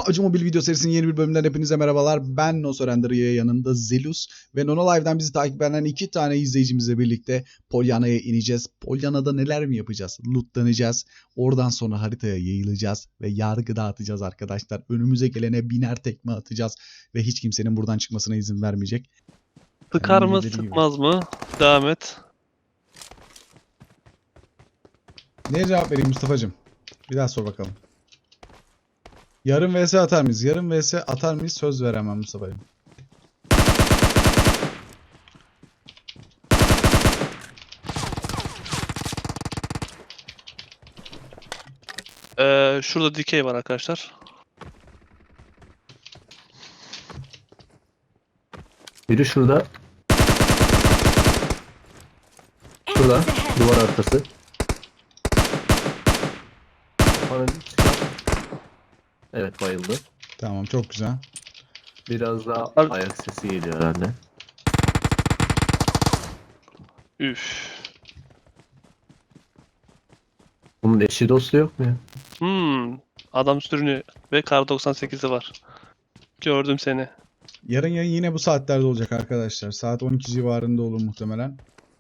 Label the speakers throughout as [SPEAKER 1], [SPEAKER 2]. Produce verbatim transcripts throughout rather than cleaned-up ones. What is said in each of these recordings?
[SPEAKER 1] P U B G Mobile video serisinin yeni bir bölümünden hepinize merhabalar. Ben Nosorender, yanımda Zelus ve Nonolive'den bizi takip eden iki tane izleyicimizle birlikte Polyana'ya ineceğiz. Polyana'da neler mi yapacağız? Lootlanacağız. Oradan sonra haritaya yayılacağız ve yargı dağıtacağız arkadaşlar. Önümüze gelene biner tekme atacağız ve hiç kimsenin buradan çıkmasına izin vermeyecek.
[SPEAKER 2] Sıkar
[SPEAKER 1] Yani
[SPEAKER 2] mı
[SPEAKER 1] dediği gibi.
[SPEAKER 2] sıkmaz mı? Devam et.
[SPEAKER 1] Neye cevap vereyim Mustafa'cığım? Bir daha sor bakalım. Yarın vs atar mıyız? Yarın vs atar mıyız? Söz veremem Mustafa'cığım.
[SPEAKER 2] Ee, şurada dikey var arkadaşlar.
[SPEAKER 3] Biri şurada. Şurada. Duvar arkası. Bana bir çıkar. Evet, bayıldı.
[SPEAKER 1] Tamam, çok güzel.
[SPEAKER 3] Biraz daha
[SPEAKER 2] Abi-
[SPEAKER 3] ayak sesi geliyor herhalde.
[SPEAKER 2] Üf.
[SPEAKER 3] Bunun eşi dostu yok mu ya?
[SPEAKER 2] Hmm. Adam sürünüyor ve kar doksan sekizi var. Gördüm seni.
[SPEAKER 1] Yarın yayın yine bu saatlerde olacak arkadaşlar. Saat on iki civarında olur muhtemelen.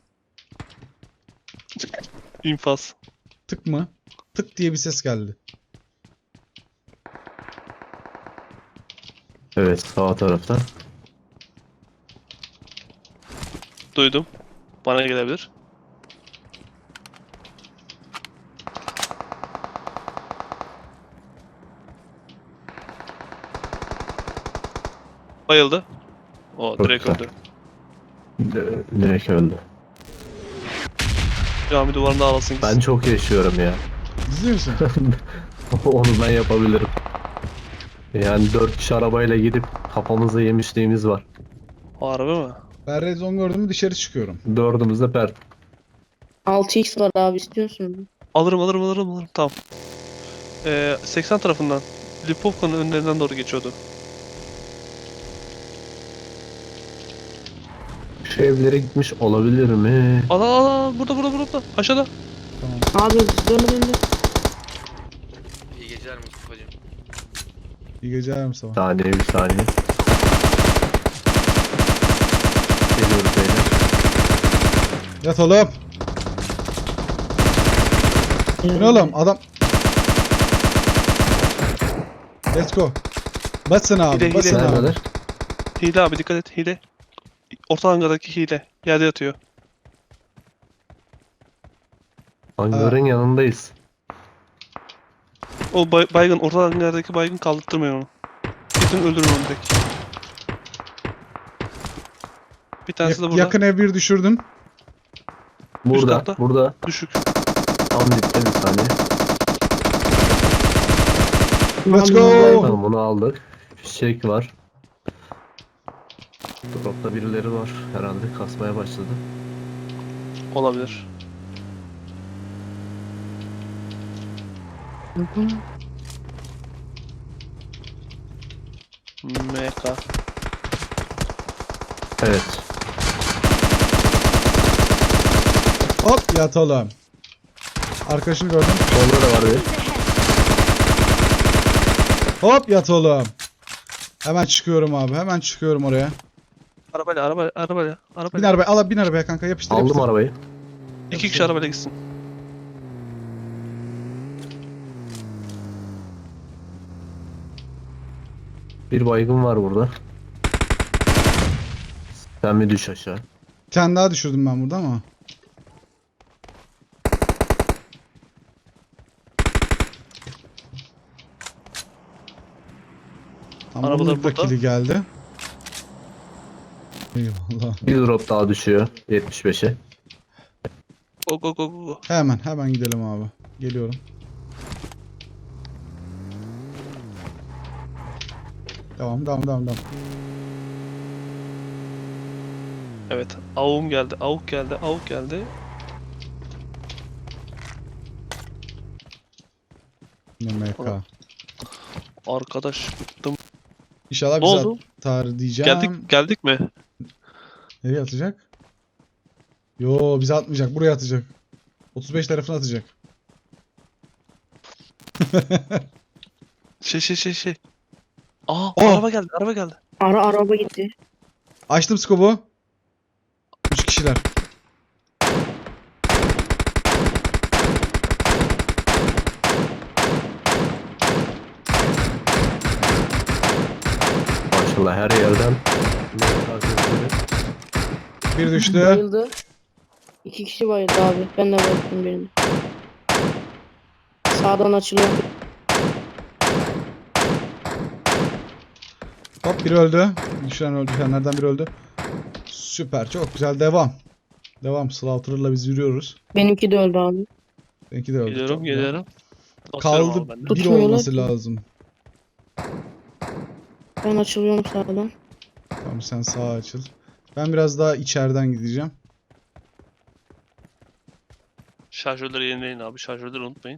[SPEAKER 2] İnfaz.
[SPEAKER 1] Tık mı? Tık diye bir ses geldi.
[SPEAKER 3] Evet, sağ tarafta.
[SPEAKER 2] Duydum. Bana gelebilir. Bayıldı. O
[SPEAKER 3] Çok
[SPEAKER 2] direkt
[SPEAKER 3] güzel.
[SPEAKER 2] öldü.
[SPEAKER 3] D- Direkt öldü.
[SPEAKER 2] Cami duvarında ağlasın
[SPEAKER 3] Ben
[SPEAKER 2] gitsin.
[SPEAKER 3] çok yaşıyorum ya.
[SPEAKER 1] İzliyor musun?
[SPEAKER 3] Onu ben yapabilirim. Yani dört kişi arabayla gidip kafamıza yemişliğimiz var.
[SPEAKER 2] Harbi mi?
[SPEAKER 1] Ben red zone gördüm mü dışarı çıkıyorum.
[SPEAKER 3] Dördümüz de pert.
[SPEAKER 4] altı x var abi, istiyorsun.
[SPEAKER 2] Alırım alırım alırım alırım. Tamam. Ee, seksen tarafından. Lipovka'nın önlerinden doğru geçiyordu.
[SPEAKER 3] Şu evlere gitmiş olabilir mi?
[SPEAKER 2] Al al al. Burada burada burada. Aşağıda.
[SPEAKER 1] Tamam.
[SPEAKER 4] Abi döndü döndü.
[SPEAKER 5] İyi geceler Mustafa'cığım.
[SPEAKER 1] İyi geceler Mustafa.
[SPEAKER 3] Saniye bir saniye. Geliyoruz beyler.
[SPEAKER 1] Yat oğlum. Bu ne oğlum? Adam... Let's go. Basın abi.
[SPEAKER 2] Hile,
[SPEAKER 1] basın
[SPEAKER 2] hile.
[SPEAKER 1] abi.
[SPEAKER 3] Neredeler?
[SPEAKER 2] Hile abi, dikkat et, hile. Orta hangadaki hile. Yerde yatıyor.
[SPEAKER 3] Hangarın yanındayız.
[SPEAKER 2] O bay- baygın, orta hangadaki baygın, kaldırtmayın onu. Gidin öldürün onu direkt. Bir tanesi de
[SPEAKER 1] Yak-
[SPEAKER 2] burada.
[SPEAKER 1] yakın ev bir düşürdüm.
[SPEAKER 3] Burada,
[SPEAKER 2] katta.
[SPEAKER 3] burada.
[SPEAKER 2] Düşük.
[SPEAKER 3] Tam dipte bir saniye.
[SPEAKER 1] Let's
[SPEAKER 4] Abi,
[SPEAKER 1] go.
[SPEAKER 3] Tamam, bunu aldık. Fişek var. Dropta birileri var. Herhalde kasmaya başladı.
[SPEAKER 2] Olabilir. M K.
[SPEAKER 3] Evet.
[SPEAKER 1] Hop yat oğlum. Arkadaşını gördüm.
[SPEAKER 3] Solda da var bir.
[SPEAKER 1] Hop yat oğlum. Hemen çıkıyorum abi. Hemen çıkıyorum oraya.
[SPEAKER 2] Arabayla, arabayla, arabayla,
[SPEAKER 1] Bin
[SPEAKER 2] arabayla.
[SPEAKER 1] arabaya. Al bin arabaya kanka. Yapıştır
[SPEAKER 3] Aldım
[SPEAKER 1] yapıştır.
[SPEAKER 3] arabayı.
[SPEAKER 2] İki kişi arabayla gitsin.
[SPEAKER 3] Bir baygın var burada. Sen bir düş aşağı.
[SPEAKER 1] Bir tane daha düşürdüm ben burada ama. Ama
[SPEAKER 2] Arabalar
[SPEAKER 1] Arabalar
[SPEAKER 2] burada.
[SPEAKER 1] kili geldi. Eyvallah.
[SPEAKER 3] Bir drop daha düşüyor. yetmiş beşe.
[SPEAKER 2] Go go go go go.
[SPEAKER 1] Hemen hemen gidelim abi. Geliyorum. Devam devam devam devam.
[SPEAKER 2] Evet. Avum geldi, avuk geldi, avuk geldi.
[SPEAKER 1] M K.
[SPEAKER 2] Oğlum. Arkadaş bıktım.
[SPEAKER 1] İnşallah
[SPEAKER 2] Ne
[SPEAKER 1] bize
[SPEAKER 2] oldu?
[SPEAKER 1] atar diyeceğim.
[SPEAKER 2] Geldik, geldik mi?
[SPEAKER 1] Nereye atacak? Yo bize atmayacak. Buraya atacak. otuz beş tarafına atacak.
[SPEAKER 2] Şey şey şey şey. Aa,
[SPEAKER 1] Oh!
[SPEAKER 2] araba geldi, araba geldi.
[SPEAKER 4] Ara araba gitti.
[SPEAKER 1] Açtım skobu. Üç kişiler.
[SPEAKER 3] Maşallah her yerden.
[SPEAKER 1] Bir düştü.
[SPEAKER 4] Bayıldı. İki kişi bayıldı abi. Ben de bayıldım birini. Sağdan açılıyor.
[SPEAKER 1] Hop biri öldü. Düşen öldü. Düşenlerden biri öldü. Süper. Çok güzel. Devam. Devam. Slaughter'la biz yürüyoruz.
[SPEAKER 4] Benimki de öldü abi.
[SPEAKER 1] Benimki de öldü.
[SPEAKER 2] Geliyorum,
[SPEAKER 1] Çok güzel.
[SPEAKER 2] geliyorum. Basıyorum
[SPEAKER 1] Kaldı
[SPEAKER 2] abi ben de.
[SPEAKER 1] bir
[SPEAKER 4] Tutmuyorlar
[SPEAKER 1] olması
[SPEAKER 4] ki.
[SPEAKER 1] lazım.
[SPEAKER 4] Ben açılıyorum sağdan.
[SPEAKER 1] Tamam sen sağa açıl. Ben biraz daha içeriden gideceğim.
[SPEAKER 2] Şarjörleri yenileyin abi, şarjörleri unutmayın.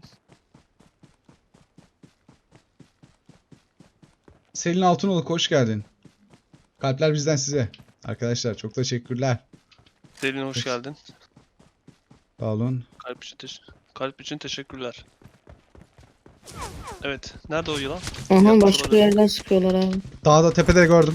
[SPEAKER 1] Selin Altınoluk hoş geldin. Kalpler bizden size. Arkadaşlar çok teşekkürler.
[SPEAKER 2] Selin hoş
[SPEAKER 1] Evet.
[SPEAKER 2] geldin.
[SPEAKER 1] Sağ olun.
[SPEAKER 2] Kalp için, teş- kalp için teşekkürler. Evet, nerede o yılan?
[SPEAKER 4] Aha başka yerden sıkıyorlar abi.
[SPEAKER 1] Dağda tepede gördüm.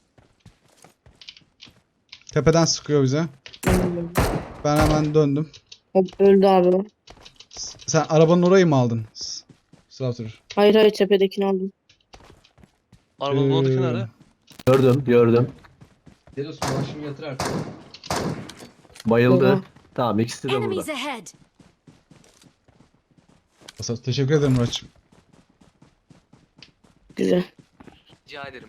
[SPEAKER 1] Tepeden sıkıyor bize.
[SPEAKER 4] Ben de gördüm.
[SPEAKER 1] Ben hemen döndüm.
[SPEAKER 4] Hop öldü abi o.
[SPEAKER 1] S- Sen arabanın orayı mı aldın? S- Slaughter.
[SPEAKER 4] Hayır hayır tepedekini aldım.
[SPEAKER 2] Arabanın
[SPEAKER 1] Ee,
[SPEAKER 2] oradaki nerede?
[SPEAKER 3] Gördüm gördüm.
[SPEAKER 1] Delos maaşımı yatır artık.
[SPEAKER 3] Bayıldı.
[SPEAKER 4] Oha.
[SPEAKER 3] Tamam ikisi de
[SPEAKER 6] Enemies
[SPEAKER 3] burada.
[SPEAKER 6] ahead!
[SPEAKER 1] Teşekkür ederim Murat'cığım.
[SPEAKER 4] Güzel.
[SPEAKER 5] Rica ederim.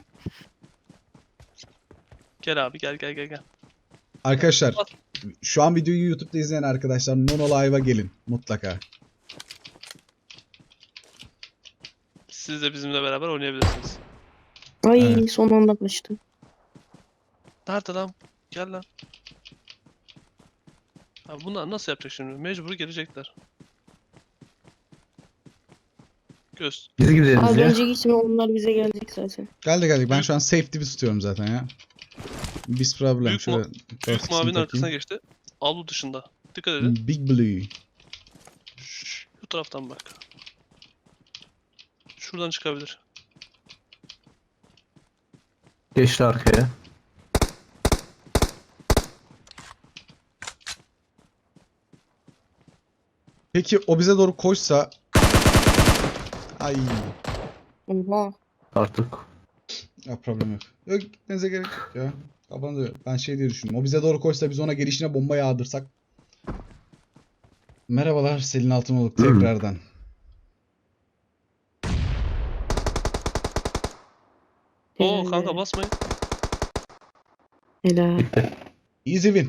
[SPEAKER 2] Gel abi, gel gel gel gel.
[SPEAKER 1] Arkadaşlar şu an videoyu YouTube'da izleyen arkadaşlar Nono Live'a gelin mutlaka.
[SPEAKER 2] Siz de bizimle beraber oynayabilirsiniz.
[SPEAKER 4] Ay
[SPEAKER 1] Evet.
[SPEAKER 4] son anda kaçtım.
[SPEAKER 2] Nerede lan? Gel lan. Abi bunlar nasıl yapacak şimdi? Mecbur gelecekler. Göz.
[SPEAKER 3] Biz gideriz
[SPEAKER 4] Abi
[SPEAKER 3] ya.
[SPEAKER 4] önce gitme onlar bize gelecek zaten.
[SPEAKER 1] Geldi geldik. Ben şu an safety bir tutuyorum zaten ya. Biz problem.
[SPEAKER 2] Büyük
[SPEAKER 1] Şöyle
[SPEAKER 2] mu-
[SPEAKER 1] dört
[SPEAKER 2] Büyük
[SPEAKER 1] kısmı
[SPEAKER 2] mavinin arkasına
[SPEAKER 1] takayım.
[SPEAKER 2] geçti. Avlu dışında. Dikkat edin.
[SPEAKER 1] Big Blue.
[SPEAKER 2] Şş, bu taraftan bak. Şuradan çıkabilir.
[SPEAKER 3] Geçti arkaya.
[SPEAKER 1] Peki o bize doğru koşsa... Ay.
[SPEAKER 4] Oha.
[SPEAKER 3] Artık.
[SPEAKER 1] Ya problem yok. Yok gitmenize gerek yok ya. Kafanızda yok. Ben şey diye düşündüm. O bize doğru koşsa biz ona gelişine bomba yağdırsak. Merhabalar Selin Altınoluk tekrardan.
[SPEAKER 2] Oo
[SPEAKER 4] Helal
[SPEAKER 2] kanka
[SPEAKER 4] be.
[SPEAKER 2] basmayın.
[SPEAKER 4] Helal.
[SPEAKER 1] Easy win.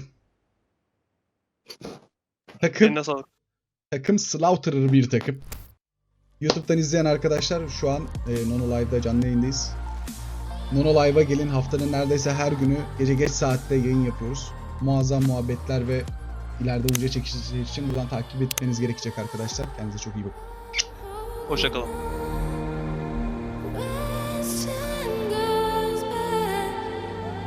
[SPEAKER 1] Takım
[SPEAKER 2] Eline sağlık.
[SPEAKER 1] takım Slaughterer bir takım. YouTube'dan izleyen arkadaşlar şu an e, Nono Live'da canlı yayındayız. Nono Live'a gelin, haftanın neredeyse her günü gece geç saatte yayın yapıyoruz. Muazzam muhabbetler ve ileride uca çekişleri için buradan takip etmeniz gerekecek arkadaşlar. Kendinize çok iyi bakın.
[SPEAKER 2] Hoşça kalın.